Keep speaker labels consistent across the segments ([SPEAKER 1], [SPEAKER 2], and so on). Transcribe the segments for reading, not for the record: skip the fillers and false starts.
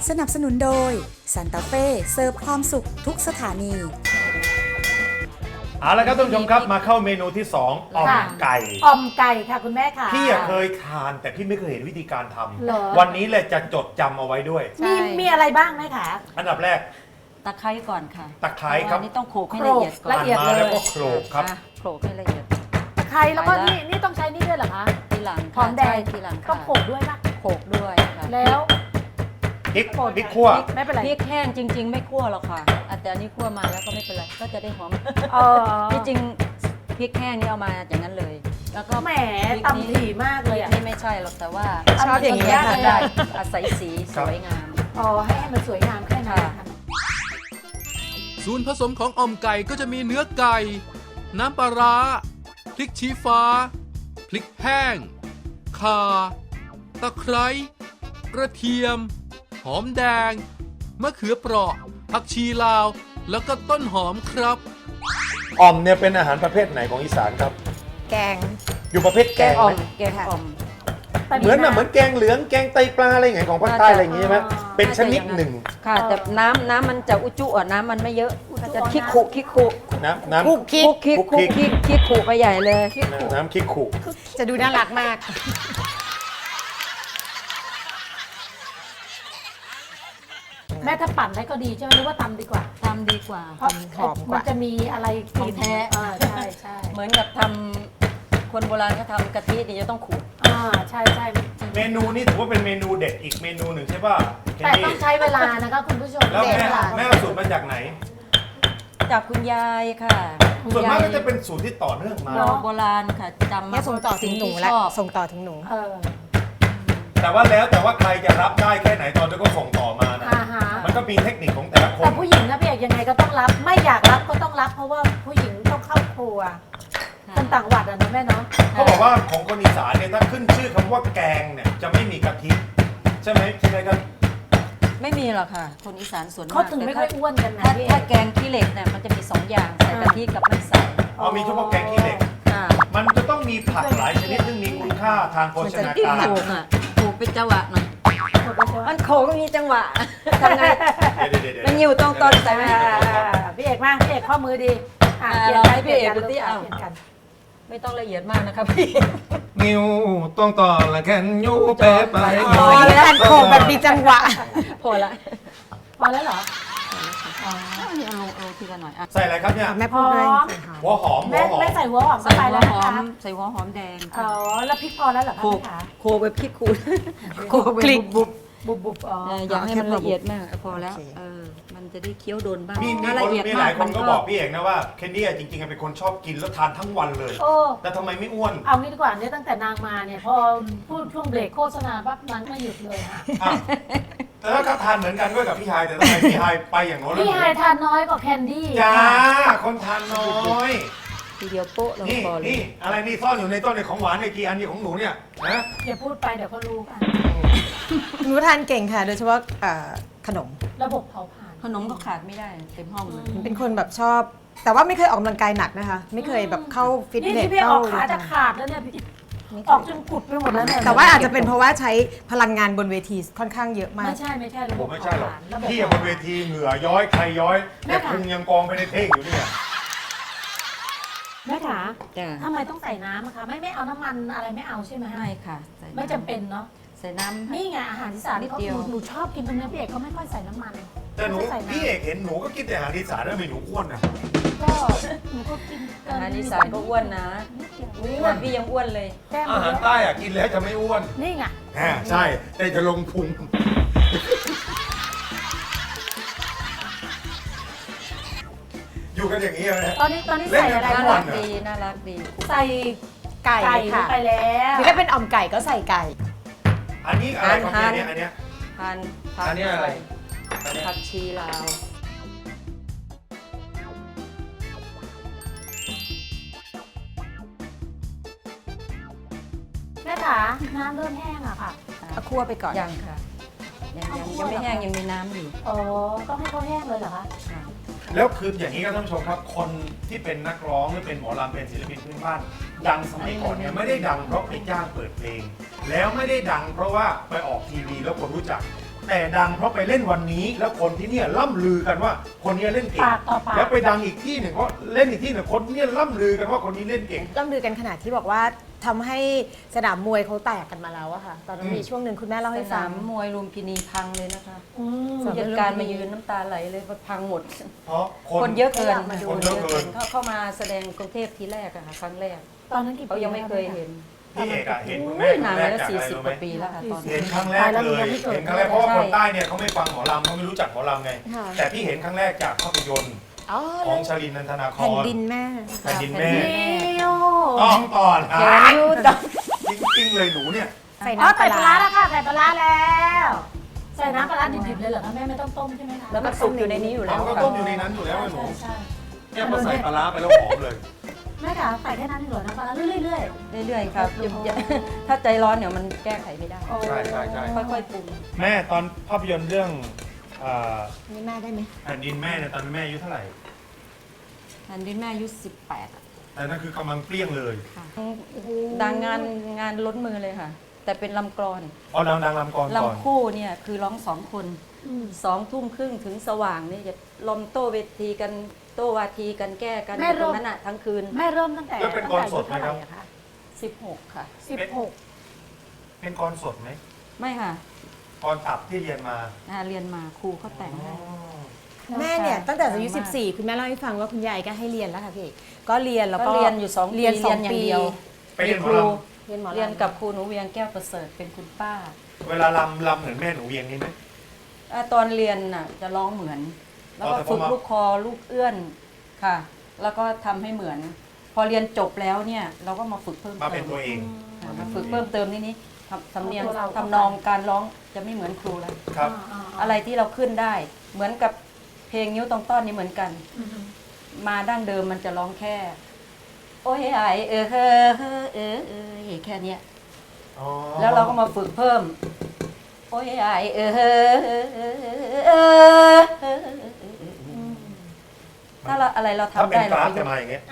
[SPEAKER 1] สนับสนุนโดยซันตาเฟ่เสิร์ฟความสุขทุกสถานี
[SPEAKER 2] เอาละครับท่านผู้ชมครับมาเข้าเมนูที่2อ่อมไก่
[SPEAKER 3] อ่อมไก่ค่ะคุณแม่ค่ะ
[SPEAKER 2] พี่เคยทานแต่พี่ไม่เคยเห็นวิธีการท
[SPEAKER 3] เหรอ
[SPEAKER 2] ำวันนี้เลยจะจดจำเอาไว้ด้วย
[SPEAKER 3] มีอะไรบ้างไหมคะ
[SPEAKER 2] อันดับแรก
[SPEAKER 4] ตะไคร้ก่อนค่ะ
[SPEAKER 2] ตะไคร้ครับ
[SPEAKER 4] อันนี้ต้องโขลกให้ละเอียดก่อน
[SPEAKER 3] ละเอียด
[SPEAKER 2] มาแล้วก็โขลกครับ
[SPEAKER 4] อ่ะโขลกให้ละเอียด
[SPEAKER 3] ตะไคร้แล้วก็นี่ต้องใช้นี่ด้วยเหรอคะ
[SPEAKER 4] ทีหลัง
[SPEAKER 3] หอมแดง
[SPEAKER 4] ใช่ทีหลังค่ะ
[SPEAKER 3] ต้องโขลกด้วยปะ
[SPEAKER 4] โขลกด้วยค่ะ
[SPEAKER 3] แล้ว
[SPEAKER 2] พริกขั่ว
[SPEAKER 3] ไม่เป็นไร
[SPEAKER 4] พริกแห้งจริง ๆ ไม่คั่วหรอกค่ะแต่อันนี้คั่วมาแล้วก็ไม่เป็นไรก็จะได้หอม
[SPEAKER 3] เออ
[SPEAKER 4] ที่จริงพริกแห้งนี่เอามาอย่างนั้นเลย แล้วก็
[SPEAKER 3] แหม
[SPEAKER 4] พริก
[SPEAKER 3] ตำถี่มากเลยอ่ะ
[SPEAKER 4] นี่ไม่ใช่หรอกแต่ว่า
[SPEAKER 3] ชอบอย่างนี้ค่ะ
[SPEAKER 4] ได้อาศัยสีสวยงาม
[SPEAKER 3] อ๋อให้มันสวยงามแค่นั้นค่ะ
[SPEAKER 5] ส่วนผสมของอ่อมไก่ก็จะมีเนื้อไก่ น้ำปลาร้า พริกชี้ฟ้า พริกแห้ง ข่า ตะไคร้ กระเทียม หอมแดง มะเขือเปราะ ผักชีลาว แล้วก็ต้นหอมครับ
[SPEAKER 2] อ่อมเนี่ยเป็นอาหารประเภทไหนของอีสานครับ
[SPEAKER 6] แกง
[SPEAKER 2] อยู่ประเภทแกง
[SPEAKER 4] อ่อ
[SPEAKER 2] ไห
[SPEAKER 4] ม
[SPEAKER 2] ม
[SPEAKER 4] แกงอ่อม
[SPEAKER 2] เหมือนเหมือนแกงเหลืองแกงไตปลาอะไรอย่างเงี้ยของภาคใต้อะไรอย่างงี้ใช่ไหมเป็นชนิดหนึ่ง
[SPEAKER 4] ค่ะแต่น้ำมันจะอุจุอ่ะน้ำมันไม่เยอะก็จะคิกคุ
[SPEAKER 2] น้ำ
[SPEAKER 4] คุกคิกคุไปใหญ่เลย
[SPEAKER 2] น้ำคิกขู่
[SPEAKER 6] จะดูน่ารักมาก
[SPEAKER 3] แม่ถ้าปั่นได้ก็ดีใช่ไหมหรือว่าตำดีกว่า
[SPEAKER 4] ทำดีกว่า
[SPEAKER 3] เพราะ
[SPEAKER 6] หอมกว่า
[SPEAKER 3] มันจะมีอะไร
[SPEAKER 4] ของแท้
[SPEAKER 3] ใช่ใช่
[SPEAKER 4] เหมือนกับทำคนโบราณเขาทำกะทินี่จะต้องขูด
[SPEAKER 3] ใช่ใช่
[SPEAKER 2] เมนูนี้ถือว่าเป็นเมนูเด็ดอีกเมนูหนึ่งใช่ป่ะแคน
[SPEAKER 3] แต่
[SPEAKER 2] ดี้
[SPEAKER 3] ต้องใช้เวลานะคะคุณผู้ชม
[SPEAKER 2] แล้ว
[SPEAKER 3] เสีย
[SPEAKER 2] แม่
[SPEAKER 3] เวลา
[SPEAKER 2] แม่เอาสูตรมาจากไหน
[SPEAKER 4] จากคุณยายค่ะคุณ
[SPEAKER 2] ส่วนมาก
[SPEAKER 4] ยาย
[SPEAKER 2] ก็จะเป็นสูตรที่ต่อเนื่องมา
[SPEAKER 4] โบราณค่ะจำ
[SPEAKER 6] เนี่ยส่งต่อถึงหนู
[SPEAKER 4] สิ่
[SPEAKER 6] แล้ว
[SPEAKER 4] ที่ชอบ
[SPEAKER 6] ส่งต่อถึงหนู
[SPEAKER 3] เออ
[SPEAKER 2] แต่ว่าใครจะรับได้แค่ไหนตอนนี้ก็ส่งต่อมานะ
[SPEAKER 3] อ่าฮะ
[SPEAKER 2] มันก็มีเทคนิคของแต่ละค
[SPEAKER 3] แต่
[SPEAKER 2] น
[SPEAKER 3] ผู้หญิงนะพี่เอกยังไงก็ต้องรับ ไม่อยากรับก็ต้องรับ เพราะว่าผู้หญิงต้องเข้าครัวคนต่างวัดอะนะแม่เนาะ
[SPEAKER 2] เขาบอกว่าของคนอีสานเนี่ยถ้าขึ้นชื่อคำว่าแกงเนี่ยจะไม่มีกะทิใช่ไหมครับ
[SPEAKER 4] ไม่มีหรอกค่ะ คนอีสานส่วนมาก
[SPEAKER 3] เขาถึงไม่ค่อยอ้วนกันนะ
[SPEAKER 4] ถ้า
[SPEAKER 3] พี่เอ
[SPEAKER 4] ถ้าก แกงขี้เหล็กเนี่ยมันจะมีสองอย่างใส่กะทิกับไม่ใส่
[SPEAKER 2] เอามีเฉพาะแกงขี้เหล็ก
[SPEAKER 4] ค่ะ
[SPEAKER 2] มันจะต้องมีผักหลายชนิดซึ่งมีคุณค่าทางโภชนา
[SPEAKER 4] ที่
[SPEAKER 2] การ
[SPEAKER 4] โขกอ่ะโขกเป็นจังหวะหน่อยมันโขกก็มีจังหวะทำไง
[SPEAKER 2] เดี๋ยว
[SPEAKER 4] มันอยู่ตรงต้นใส่ไหม
[SPEAKER 3] พี่เอกมาพี่เอกข้อมือดีอ่ะ
[SPEAKER 4] เราให้พี่เอกดูที่เอา
[SPEAKER 3] เปลี่ยนกัน
[SPEAKER 4] ไม่ต้องละเอียดมากนะครับพี่
[SPEAKER 2] นิ้วต้องต่อละแค่ยูเป๊ะไป
[SPEAKER 4] พอแล้ว
[SPEAKER 6] การโขกแบบมีจังหวะ
[SPEAKER 4] พอละ
[SPEAKER 3] พอแล้วเหรอ
[SPEAKER 4] เอาทีละหน่อยอ่ะ
[SPEAKER 2] ใส่อะไรครับเนี่ย
[SPEAKER 6] แม่พูดด้วย
[SPEAKER 2] หัวหอม
[SPEAKER 3] แม่แม่ใส่หัวหอม
[SPEAKER 4] ใส่
[SPEAKER 3] เข้าไป
[SPEAKER 4] หั
[SPEAKER 3] แล้ว ว
[SPEAKER 4] ห
[SPEAKER 3] นะ
[SPEAKER 4] อม
[SPEAKER 3] คะ
[SPEAKER 4] ใส่หัวหอมแดง
[SPEAKER 3] อ๋อแล้วพริกพอแล้วเหรอคะ
[SPEAKER 4] โขก
[SPEAKER 3] แม่คะ
[SPEAKER 4] โขกแบบพริกขูดโขก
[SPEAKER 6] คลิก
[SPEAKER 4] บุบ
[SPEAKER 3] บุบอ๋อ
[SPEAKER 4] อย่าให้มันละเอียดมากพอแล้วมันจะได้เคี้ยวโดนบ้าง
[SPEAKER 2] มี
[SPEAKER 4] ถ้าละเอียด
[SPEAKER 2] ห
[SPEAKER 4] มา
[SPEAKER 2] ลาก ยคนก็บอกพี่เอกนะว่าเคนดี้จริงๆเป็นคนชอบกินแล้วทานทั้งวันเลย
[SPEAKER 3] โอ้
[SPEAKER 2] แต่ทำไมไม่อ้วน
[SPEAKER 3] เอางี้ดีกว่าเนี่ยตั้งแต่นางมาเนี่ยพอพูดช่วงเบรกโฆษณาปั๊บนั้นไม่หยุดเลยค่ะ
[SPEAKER 2] อ้าวแต่ถ้าก็ทานเหมือนกันด้วยกับพี่ไฮแต่ทำไมพี่ไฮไปอย่างโน้นแล้ว
[SPEAKER 3] พี่ไฮทานน้อยกว่าแคนดี้
[SPEAKER 2] จ้าคนทานน้อย
[SPEAKER 4] ทีเดียวโป๊ะลง
[SPEAKER 2] นี่
[SPEAKER 4] คอเลย
[SPEAKER 2] นี่อะไรนี่ซ่อนอยู่ในต้นในของหวานในกี่อันนี้ของหนูเนี่ยนะ
[SPEAKER 3] อย่าพูดไปเดี๋ยวเขารู้กัน
[SPEAKER 6] หนูทานเก่งค่ะ โดยเฉพาะขนม
[SPEAKER 3] ระบบเผาผลาญ
[SPEAKER 4] ขนมก็ขาดไม่ได้เต็มห้องเลย
[SPEAKER 6] เป็นคนแบบชอบ แต่ว่าไม่เคยออกกำลังกายหนักนะคะ ไม่เคยแบบเข้าฟิต
[SPEAKER 3] นี่
[SPEAKER 6] เนส
[SPEAKER 3] ที่พี่อ
[SPEAKER 6] เข้า
[SPEAKER 3] อกขาจะขาดแล้วเนี่ยพี่ออกจนกุดไปหมดแล้วเนี่ย
[SPEAKER 6] แต่ว่าอาจจะเป็นเพราะว่าใช้พลังงานบนเวทีค่อนข้างเยอะมาก
[SPEAKER 3] ไม่ใช่ระบ
[SPEAKER 2] ผ
[SPEAKER 3] บ
[SPEAKER 2] มไม่ใช่หรอก
[SPEAKER 3] ระบบ
[SPEAKER 2] พี่บนเวทีเหงื่อย้อยใครย้อย
[SPEAKER 3] แม่
[SPEAKER 2] แต่
[SPEAKER 3] ค่ะ
[SPEAKER 2] พุงยังกองไปในเท่งอยู่เนี่ย
[SPEAKER 3] แม่ขา
[SPEAKER 4] จ้ะ
[SPEAKER 3] ทำไมต้องใส่น้ำอะคะไม่เอาน้ำมันอะไรไม่เอาใช่ไหม
[SPEAKER 4] ไม่ค่ะใส่ำ
[SPEAKER 3] ไม่จำเป็นเนาะ
[SPEAKER 4] ใส่น้ำ
[SPEAKER 3] นี่ไงอาหารที่สาน
[SPEAKER 4] นิดเดียว
[SPEAKER 3] หนูชอบกินตรงนี้พี่เอกเขาไม่ค่อยใส่น้ำมัน
[SPEAKER 2] แต่หนู
[SPEAKER 3] ไม่ใส่
[SPEAKER 2] พี่
[SPEAKER 3] น้ำ
[SPEAKER 2] เอกเห็นหนูก็กินแต่อาหารอีสานแล้วไม่หนูอ้วนนะ
[SPEAKER 3] ก็หนูก็กินเกิ
[SPEAKER 4] อาหารอีสานก็อ้วนนะ
[SPEAKER 3] นิดเดียว
[SPEAKER 4] อ้วนพี่ยังอ้วนเลย
[SPEAKER 3] แก้ม
[SPEAKER 2] อา
[SPEAKER 3] เย
[SPEAKER 2] หาร
[SPEAKER 3] อะ
[SPEAKER 2] ใต้อะกินแล้วจะไม่อ้วน
[SPEAKER 3] นี่ไง
[SPEAKER 2] ใช่แต่จะลงพุงอยู่กันอย่างนี้เลย
[SPEAKER 3] ตอนนี้ใส่อะไร
[SPEAKER 4] น่า
[SPEAKER 3] บ้า
[SPEAKER 4] รั
[SPEAKER 3] ง
[SPEAKER 4] กดีน่ารักดี
[SPEAKER 3] ใส่
[SPEAKER 6] ไก่
[SPEAKER 3] ไก่ลง
[SPEAKER 6] ค่ะ
[SPEAKER 3] ไปแล้ว
[SPEAKER 6] หรือถ้าเป็นอ่อมไก่ก็ใส่ไก่
[SPEAKER 2] อันนี้อะไรครับเนี่ยอันเนี้ย
[SPEAKER 4] พัน
[SPEAKER 2] อันนี้อะไร
[SPEAKER 4] ผักชีลาว
[SPEAKER 3] แม่ขาน้ำเริ่มแห้งอะค่ะ
[SPEAKER 6] เอาคั่วไปก่อน
[SPEAKER 4] ยังค่ะยังไม่แห้งยังมีน้ำอยู่
[SPEAKER 3] อ๋อต้องให้เขาแห้งเลยเหรอคะ
[SPEAKER 4] ค่ะ
[SPEAKER 2] แล้วคืออย่างนี้ครับท่านผู้ชมครับ คนที่เป็นนักร้องหรือเป็นหมอลำเป็นศิลปินพื้นบ้าน ดังสมัยก่อนเนี่ยไม่ได้ดังเพราะไปจ้างเปิดเพลง แล้วไม่ได้ดังเพราะว่าไปออกทีวีแล้วคนรู้จักแต่ดังเพราะไปเล่นวันนี้ แล้วคนที่เนี่ยล่ำลือกันว่าคนนี้เล่นเก่ง
[SPEAKER 3] ปากต่อปาก
[SPEAKER 2] แล้วไปดังอีกที่หนึ่งเพราะเล่นอีกที่หนึ่งคนเนี่ยล่ำลือกันว่าคนนี้เล่นเก่ง
[SPEAKER 6] ล่ำลือกันขนาดที่บอกว่าทำให้สนามมวยเขาแตกกันมาแล้วอะค่ะ ตอนนั้นมีช่วงหนึ่งคุณแม่เล่า
[SPEAKER 4] ส
[SPEAKER 6] ให้ฟั
[SPEAKER 4] นาง มมวยลุมพินีพังเลยนะคะ
[SPEAKER 3] อืม
[SPEAKER 4] ผู้จัดการมายืนน้ำตาไหลเลยว่าพังหมด
[SPEAKER 2] เพราะ
[SPEAKER 4] คนเยอะเกิน
[SPEAKER 2] คนเยอะเกิน
[SPEAKER 4] เข้ามาแสดงกรุงเทพทีแรกอะค่ะครั้งแรก
[SPEAKER 3] ตอนนั้นกี่ปี
[SPEAKER 4] เขายังไม่เคยเห็น
[SPEAKER 2] พี่เอกอะเห็นคุณแม่
[SPEAKER 4] นาน
[SPEAKER 2] ครั้งแร
[SPEAKER 4] แล้
[SPEAKER 2] ก
[SPEAKER 4] ว
[SPEAKER 2] จากอะไร
[SPEAKER 4] 40
[SPEAKER 2] รู้
[SPEAKER 4] ก
[SPEAKER 2] ไหม
[SPEAKER 4] ว่าปีแล้วค่ะตอนนี้
[SPEAKER 2] เห็นครั้งแรกเลยเห็นครั้งแรกเพราะว่าคนใต้เนี่ยเขาไม่ฟังหมอลำเขาไม่รู้จักหมอลำไง แต่พี่เห็นครั้งแรกจากภาพยนตร์
[SPEAKER 6] อ๋อ
[SPEAKER 2] ของชลินนันทนาค
[SPEAKER 6] แผ่น
[SPEAKER 2] ร
[SPEAKER 6] ดินแม่
[SPEAKER 2] แผ่นดินแม่
[SPEAKER 3] เดียว
[SPEAKER 2] ต้องก่อน
[SPEAKER 4] แกนยูดอก
[SPEAKER 2] จริงๆเลยหนูเนี่ย
[SPEAKER 6] ใส่
[SPEAKER 3] อ๋อ
[SPEAKER 6] น้ำป
[SPEAKER 3] ใส่
[SPEAKER 6] ลา
[SPEAKER 3] ปลาร้า
[SPEAKER 6] ร้า
[SPEAKER 3] แล้วค่ะใส่ปลาร้าแล้วใส่น้ำปลาร้าดิบๆเลยเหรอคะแม่ไม่ต้องต้มใช่ไหมคะ
[SPEAKER 4] แล้วมันสุกอยู่ในนี้อยู่แล้ว
[SPEAKER 2] เราก็
[SPEAKER 4] ค่ะ
[SPEAKER 2] ต้มอยู่ในนั้นอยู่แล้วไอ้หนู
[SPEAKER 3] ใช่
[SPEAKER 2] เนี่ยพอใส่ปลาร้าไปแล้วหอมเลย
[SPEAKER 3] ๆแม่ค่ะใส่แค่นั้นเองเหรอน้ำปลาร้าเรื่อย
[SPEAKER 4] เรื่อยๆครับถ้าใจร้อนเดี๋ยวมันแก้ไขไม่ได้
[SPEAKER 3] ๆโอ้
[SPEAKER 2] ใช่ใช่ใช่
[SPEAKER 4] ค่อยๆปรุง
[SPEAKER 2] แม่ตอนภาพยนตร์เรื่องอ่า
[SPEAKER 6] นี่แม่ได้ไหม
[SPEAKER 2] แผ่นดินแม่เนี่ยตอนแม่อายุเท่าไหร่
[SPEAKER 4] อันนี้แม่อายุ18อะ
[SPEAKER 2] แต่นั่นคือกำลังเปรี้ยงเลย
[SPEAKER 4] ค่ะดังงานล้นมือเลยค่ะ แต่เป็นลำกลอน
[SPEAKER 2] อ๋อดังลำกรก่อน
[SPEAKER 4] ลำคู่เนี่ยคือร้อง2 คน 2 ทุ่มครึ่งถึงสว่างนี่จะลมโต้เวทีกันโต้วาทีกันแก้กันอยู่ตรงนั้นอะทั้งคืน
[SPEAKER 3] แม่เริ่มตั้งแต่
[SPEAKER 2] แล้วเป็นกรสดไหมครับ
[SPEAKER 3] อะคะ
[SPEAKER 4] 16 ค่ะ
[SPEAKER 3] 16
[SPEAKER 2] เป็นกรสดไหม
[SPEAKER 4] ไม่ค่ะ
[SPEAKER 2] กรตับที่เรียนมา
[SPEAKER 4] เรียนมาครูเขาแต่งให้
[SPEAKER 6] แม่เนี่ยตั้งแต่อายุ
[SPEAKER 4] มาก
[SPEAKER 6] 14 คุณแม่เล่าให้ฟังว่าคุณยายก็ให้เรียนแล้วค่ะพี่เอกก็เรียนแล้ว
[SPEAKER 4] ก็
[SPEAKER 6] ก็
[SPEAKER 4] เรียนอยู่2ปี
[SPEAKER 6] เรียน
[SPEAKER 4] อย่างเดียว
[SPEAKER 2] ไปเรียนหม
[SPEAKER 4] ค
[SPEAKER 2] อ
[SPEAKER 4] รู
[SPEAKER 2] ล
[SPEAKER 6] เรียนหมอลำ
[SPEAKER 4] เรียนกับครูหนูเวียงแก้วประเสริฐเป็นคุณป้า
[SPEAKER 2] ำเวลาลำเหมือนแม่หนูเวียงนี่ไหม
[SPEAKER 4] ตอนเรียนน่ะจะร้องเหมือน แล้วก็
[SPEAKER 2] แต่พอ
[SPEAKER 4] ฝึก
[SPEAKER 2] มา
[SPEAKER 4] ลูกคอลูกเอื้อนค่ะ แล้วก็ทำให้เหมือน พอเรียนจบแล้วเนี่ยเราก็มาฝึกเพิ่ม
[SPEAKER 2] มา
[SPEAKER 4] เติ
[SPEAKER 2] เป็น
[SPEAKER 4] ม
[SPEAKER 2] ตัวเอง
[SPEAKER 4] ค่ะมาฝึกเพิ่มเติมนี่สำเนียงทำนองการร้องจะไม่เหมือนครูแล้ว
[SPEAKER 2] ครับ
[SPEAKER 4] อะไรที่เราขึ้นได้ เหมือนกับเพลงนิ้วตรงต้อนนี่เหมือนกัน มาดั้งเดิมมันจะร้องแค่ โอ้ยไอแค่เนี้ย
[SPEAKER 2] อ๋อ
[SPEAKER 4] แล้วเราก็มาฝึกเพิ่ม โอ้ยไอถ้าเราอะไรเรา
[SPEAKER 2] ถ้า
[SPEAKER 4] ทำ
[SPEAKER 2] เป็น
[SPEAKER 4] ได้
[SPEAKER 2] ก
[SPEAKER 4] เรา
[SPEAKER 2] ราฟ
[SPEAKER 4] ก็ย
[SPEAKER 2] จะ
[SPEAKER 4] ก
[SPEAKER 2] มาอย่างเงี้ย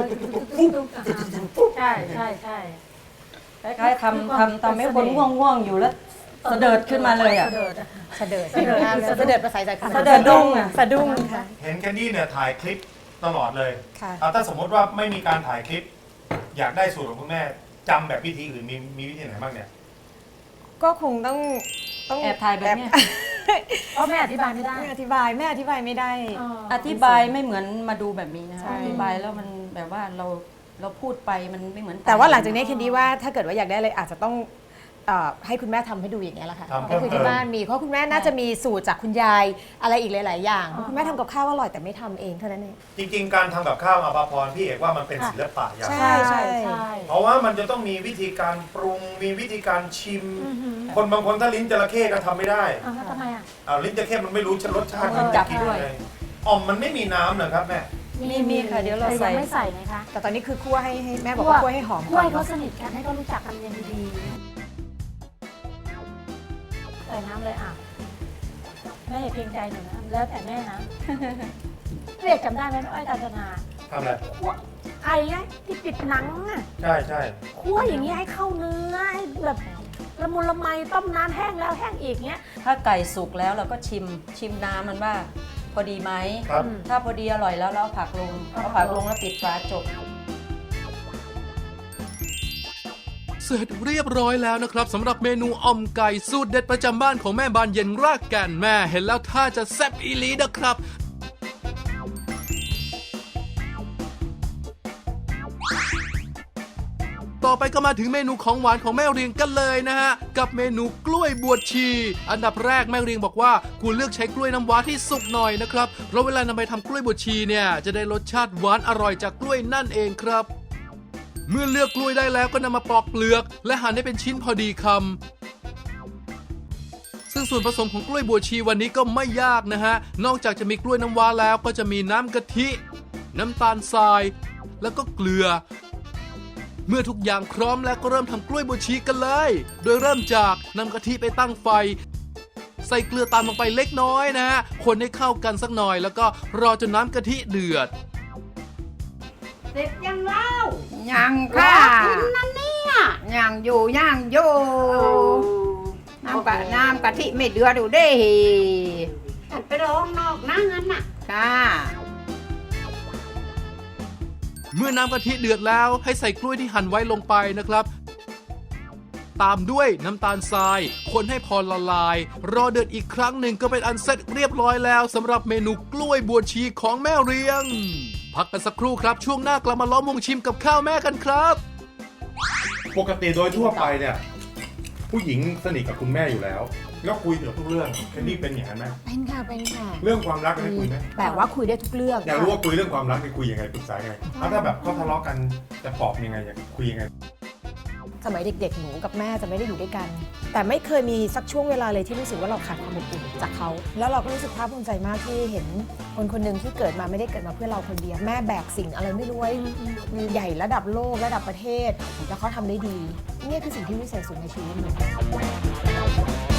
[SPEAKER 3] ใช่ใช่ใช่
[SPEAKER 4] คล้ายๆทำให้คนง่วงๆอยู่แล้วเสดิร์ดขึ้นมาเลยอ่ะ
[SPEAKER 6] เสด็จเสด็จภาษาใจ
[SPEAKER 4] เสด็จดุ้งอะ
[SPEAKER 6] สะดุ้งค่ะ
[SPEAKER 2] เห็นแคนดี้เนี่ยถ่ายคลิปตลอดเลย
[SPEAKER 6] ค่ะ
[SPEAKER 2] ถ้าสมมติว่าไม่มีการถ่ายคลิป อยากได้สูตรของคุณแม่จำแบบวิธีอื่นมีวิธีไหนบ้างเนี่ย
[SPEAKER 6] ก็คงต้อง
[SPEAKER 4] แอบถ่ายแบบเนี้ย
[SPEAKER 3] เพราะแม่อธิบายไม่ได้
[SPEAKER 6] แม่อธิบายไม่ได้
[SPEAKER 4] อธิบายไม่เหมือนมาดูแบบนี้นะ
[SPEAKER 6] ใช่
[SPEAKER 4] คะอธิบายแล้วมันแบบว่าเราพูดไปมันไม่เหมือน
[SPEAKER 6] แต่ว่าหลังจากนี้แคนดี้ว่าถ้าเกิดว่าอยากได้เลยอาจจะต้องให้คุณแม่ทำให้ดูอย่างเงี้ยแหละค่ะ
[SPEAKER 2] ทำเพิ่
[SPEAKER 6] ก็
[SPEAKER 2] ม
[SPEAKER 6] คือ
[SPEAKER 2] เติ
[SPEAKER 6] ที่
[SPEAKER 2] ม
[SPEAKER 6] บ้านมีเพราะคุณแม่น่าจะมีสูตรจากคุณยายอะไรอีกหลาย ๆ อย่างคุณแม่ทำกับข้าวอร่อยแต่ไม่ทำเองเท่านั้นเอง
[SPEAKER 2] จริงๆ การทำกับข้าวอาภาพรพี่เอกว่ามันเป็นศิลปะอย่าง
[SPEAKER 6] ใช่
[SPEAKER 3] ใช่ใช่
[SPEAKER 2] เพราะว่ามันจะต้องมีวิธีการปรุงมีวิธีการชิม คนบางคนถ้าลิ้นจระเข้ก็ทำไม่ได้
[SPEAKER 3] ทำไมอ่ะ
[SPEAKER 2] ลิ้นจระเข้มันไม่รู้รสชาติมัน
[SPEAKER 4] จั
[SPEAKER 2] จะ
[SPEAKER 4] บ
[SPEAKER 2] กิน
[SPEAKER 4] ด้วย
[SPEAKER 2] อะไรอ่อมมันไม่มีน้ำเหรอครับแม่
[SPEAKER 4] มีค่ะเดี๋ยวเรา
[SPEAKER 3] แต่
[SPEAKER 4] ใส่
[SPEAKER 3] ยังไม่ใส่ไงคะ
[SPEAKER 6] แต่ตอนนี้คือคั่วให้แม่บอกว่าคั่วให้หอม
[SPEAKER 3] กล้
[SPEAKER 6] ก่
[SPEAKER 3] ว
[SPEAKER 6] อย น
[SPEAKER 3] เขาสนิทกันให้เขารู้จักกันอย่างดีๆใส่น้ำเลยอ่ะแม่อย่าเกรงใจหนูนะแล้วแต่แม่นะเรียกจำได้ไหมอ้อยกาญจนา
[SPEAKER 2] ทำอะไร
[SPEAKER 3] คั่วไอ้ไงที่ปิดหนังอ่ะ
[SPEAKER 2] ใช่ใช่
[SPEAKER 3] คั่วอย่างนี้ให้เข้าเนื้อให้แบบละมุนละไมต้มนานแห้งแล้วแห้งอีกเงี้ย
[SPEAKER 4] ถ้าไก่สุกแล้วเราก็ชิมน้ำมันว่าพอดีไหม
[SPEAKER 2] ครับ
[SPEAKER 4] ถ้าพอดีอร่อยแล้วเราเอาผักลงเอาผักลงแล้วปิดฝาจบ
[SPEAKER 5] เสร็จเรียบร้อยแล้วนะครับสำหรับเมนูอ่อมไก่สูตรเด็ดประจำบ้านของแม่บานเย็นรากแก่นแม่เห็นแล้วท่าจะแซ่บอีหลีนะครับ ต่อไปก็มาถึงเมนูของหวานของแม่เรียงกันเลยนะฮะกับเมนูกล้วยบวชชี อันดับแรกแม่เรียงบอกว่าควรเลือกใช้กล้วยน้ำว้าที่สุกหน่อยนะครับเพราะเวลานำไปทำกล้วยบวชชีเนี่ยจะได้รสชาติหวานอร่อยจากกล้วยนั่นเองครับ เมื่อเลือกกล้วยได้แล้วก็นำมาปอกเปลือก และหั่นให้เป็นชิ้นพอดีคำซึ่งส่วนผสมของกล้วยบวชชีวันนี้ก็ไม่ยากนะฮะนอกจากจะมีกล้วยน้ำว้าแล้วก็จะมีน้ำกะทิ น้ำตาลทราย แล้วก็เกลือ เมื่อทุกอย่างพร้อมแล้วก็เริ่มทำกล้วยบวชชีกันเลย โดยเริ่มจากนำกะทิไปตั้งไฟ ใส่เกลือตามลงไปเล็กน้อยนะฮะคนให้เข้ากันสักหน่อยแล้วก็รอจนน้ำกะทิเดือด
[SPEAKER 7] ยังค่ะนั่นเนี่ยยังอยู่น้ำกะทิไม่เดือดดูเด้
[SPEAKER 8] ไปร้องนอกนะงั้นน่ะ
[SPEAKER 7] ค่ะ
[SPEAKER 5] เมื่อน้ำกะทิเดือดแล้วให้ใส่กล้วยที่หั่นไว้ลงไปนะครับ ตามด้วยน้ำตาลทราย คนให้พอละลาย รอเดือดอีกครั้งหนึ่งก็เป็นอันเสร็จเรียบร้อยแล้วสำหรับเมนูกล้วยบวชชีของแม่เรียง พักกันสักครู่ครับช่วงหน้ากลับมาล้อมวงชิมกับข้าวแม่กันครับ
[SPEAKER 2] ปกติโดยทั่วไปเนี่ย ผู้หญิงสนิทกับคุณแม่อยู่แล้ว แล้วคุยเกี่ยวกับทุกเรื่องแคนดี้เป็นอย่างนั้นไหม
[SPEAKER 6] เป็นค่ะเป็นค่ะ
[SPEAKER 2] เรื่องความรักได้คุยไหม
[SPEAKER 6] แต่ว่าคุยได้ทุกเรื่อง
[SPEAKER 2] อยากรู้ว่าคุยเรื่องความรักได้คุยยังไงปรึกษายังไงแล้วถ้าแบบเขาทะเลาะกันจะปลอบยังไงอยากคุยยังไง
[SPEAKER 6] สมัยเด็กๆหนูกับแม่จะไม่ได้อยู่ด้วยกัน แต่ไม่เคยมีสักช่วงเวลาเลยที่รู้สึกว่าเราขาดความอบอุ่นจากเขาแล้วเราก็รู้สึกภาคภูมิใจมากที่เห็นคนคนหนึ่งที่เกิดมาไม่ได้เกิดมาเพื่อเราคนเดียวแม่แบกสิ่งอะไรไม่รู้ไว้ใหญ่ระดับโลกระดับประเทศแล้วเขาทำได้ดีนี่คือสิ่งที่วิเศษสุดในชีวิตหนู